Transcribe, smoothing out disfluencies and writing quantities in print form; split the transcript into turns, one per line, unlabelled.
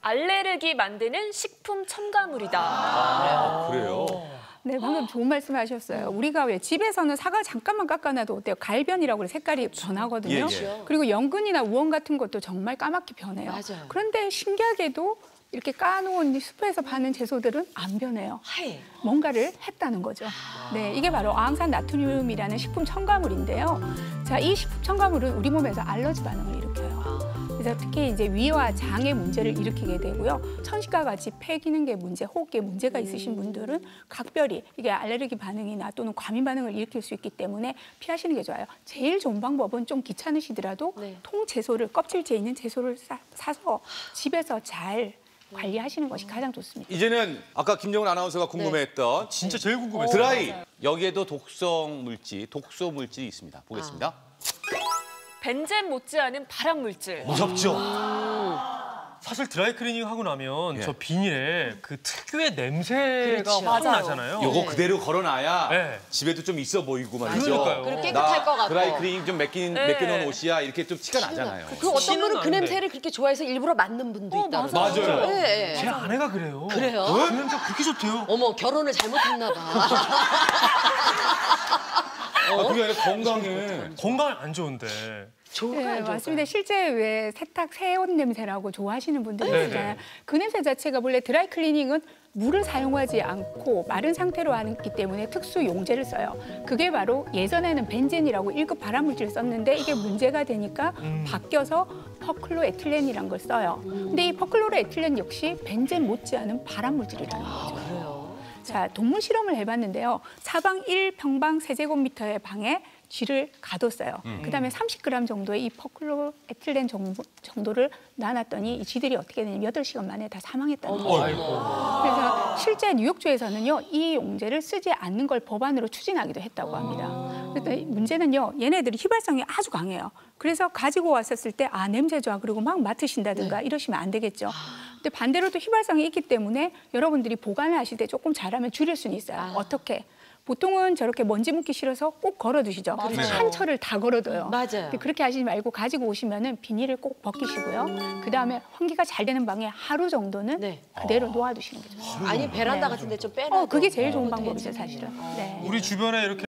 알레르기 만드는 식품 첨가물이다.
아, 그래요?
네, 방금 좋은 말씀하셨어요. 우리가 왜 집에서는 사과 잠깐만 깎아놔도 어때요? 갈변이라고 그래 색깔이 변하거든요.
예.
그리고 연근이나 우엉 같은 것도 정말 까맣게 변해요.
맞아요.
그런데 신기하게도 이렇게 까놓은 숲에서 파는 채소들은 안 변해요.
하얘.
뭔가를 했다는 거죠. 네, 이게 바로 어항산 나트륨이라는 식품 첨가물인데요. 자, 이 식품 첨가물은 우리 몸에서 알러지 반응을 일으켜요. 그래서 특히 이제 위와 장의 문제를 일으키게 되고요. 천식과 같이 폐 기능계 문제, 호흡기에 문제가 있으신 분들은 각별히 이게 알레르기 반응이나 또는 과민 반응을 일으킬 수 있기 때문에 피하시는 게 좋아요. 제일 좋은 방법은 좀 귀찮으시더라도 통채소를, 껍질째 있는 채소를 사서 집에서 잘 관리하시는 것이 가장 좋습니다.
이제는 아까 김정은 아나운서가 궁금해했던
진짜 제일 궁금했어요.
드라이. 여기에도 독성 물질, 독소 물질이 있습니다. 보겠습니다.
벤젠 못지않은 발암 물질.
무섭죠?
사실 드라이클리닝 하고 나면
예.
저 비닐에 그 특유의 냄새가
그렇죠.
확
맞아요.
나잖아요.
요거 그대로 걸어놔야
네.
집에도 좀 있어 보이고 말이죠.
그러니까요.
그리고 깨끗할 것 같고.
드라이클리닝 좀 맡겨놓은 옷이야 이렇게 좀 티가 나잖아요.
그 어떤
티는
분은 그
나는데.
냄새를 그렇게 좋아해서 일부러 맡는 분도 있다.
맞아요.
네, 네.
제 아내가 그래요.
그래요?
그 냄새 그렇게 좋대요.
어머, 결혼을 잘못했나 봐.
그게 아니라 건강에.
건강 안 좋은데.
좋을까요?
네,
안 좋을까요?
맞습니다. 실제 왜 세탁 새옷 냄새라고 좋아하시는 분들이
네네.
있잖아요. 그 냄새 자체가 원래 드라이클리닝은 물을 사용하지 않고 마른 상태로 하기 때문에 특수 용제를 써요. 그게 바로 예전에는 벤젠이라고 1급 발암물질을 썼는데 이게 문제가 되니까 바뀌어서 퍼클로에틸렌이라는 걸 써요. 근데 이 퍼클로에틸렌 역시 벤젠 못지않은 발암물질이라는 거죠.
그래요?
자, 동물 실험을 해봤는데요. 사방 1평방 세제곱미터의 방에 쥐를 가뒀어요. 그다음에 30g 정도의 이 퍼클로에틸렌 정도를 나눴더니 이 쥐들이 어떻게 되냐면 8시간 만에 다 사망했다는 거예요. 그래서 실제 뉴욕주에서는요, 이 용제를 쓰지 않는 걸 법안으로 추진하기도 했다고 합니다. 그래서 문제는요, 얘네들이 휘발성이 아주 강해요. 그래서 가지고 왔었을 때 아, 냄새 좋아 그리고 막 맡으신다든가 이러시면 안 되겠죠. 근데 반대로 또 휘발성이 있기 때문에 여러분들이 보관을 하실 때 조금 잘하면 줄일 수는 있어요. 어떻게? 보통은 저렇게 먼지 묻기 싫어서 꼭 걸어두시죠. 한 철을 다 걸어둬요.
맞아요.
근데 그렇게 하시지 말고 가지고 오시면은 비닐을 꼭 벗기시고요. 그다음에 환기가 잘 되는 방에 하루 정도는
네.
그대로 놓아두시는 게 좋아요.
아니, 베란다 같은 데 좀 빼놔.
그게 제일 좋은 방법이죠, 사실은. 네.
우리 주변에 이렇게